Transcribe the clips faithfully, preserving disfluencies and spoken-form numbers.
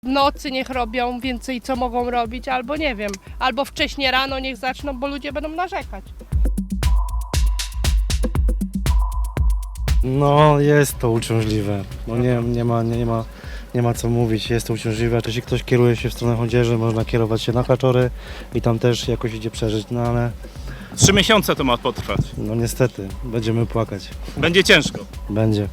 W nocy niech robią więcej, co mogą robić, albo nie wiem, albo wcześnie rano niech zaczną, bo ludzie będą narzekać. No jest to uciążliwe, no nie, nie, ma, nie, nie, ma, nie ma co mówić, jest to uciążliwe. Jeśli ktoś kieruje się w stronę Chodzieży, można kierować się na Kaczory i tam też jakoś idzie przeżyć, no ale Trzy miesiące to ma potrwać. no niestety będziemy płakać, Będzie ciężko. będzie.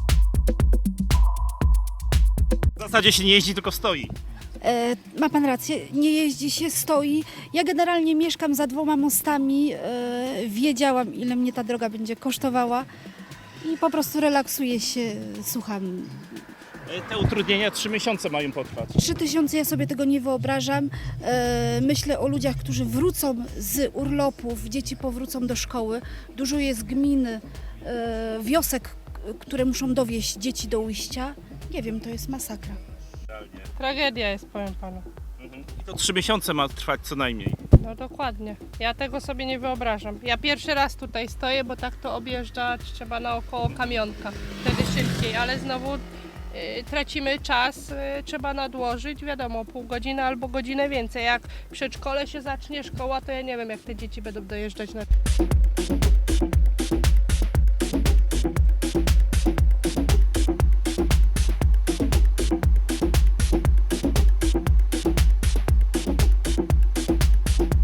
W zasadzie się nie jeździ, tylko stoi. E, ma pan rację, nie jeździ się, stoi. Ja generalnie mieszkam za dwoma mostami, e, wiedziałam, ile mnie ta droga będzie kosztowała i po prostu relaksuję się, słucham. E, Te utrudnienia trzy miesiące mają potrwać. Trzy tysiące ja sobie tego nie wyobrażam. E, myślę o ludziach, którzy wrócą z urlopów, dzieci powrócą do szkoły. Dużo jest gmin, e, wiosek, k- które muszą dowieźć dzieci do ujścia. Nie wiem, to jest masakra. Tragedia jest, powiem panu. Mhm. I to trzy miesiące ma trwać co najmniej. No dokładnie. Ja tego sobie nie wyobrażam. Ja pierwszy raz tutaj stoję, bo tak to objeżdżać trzeba naokoło kamionka. Wtedy szybciej, ale znowu y, tracimy czas, y, trzeba nadłożyć, wiadomo, pół godziny albo godzinę więcej. Jak w przedszkole się zacznie szkoła, to ja nie wiem, jak te dzieci będą dojeżdżać na...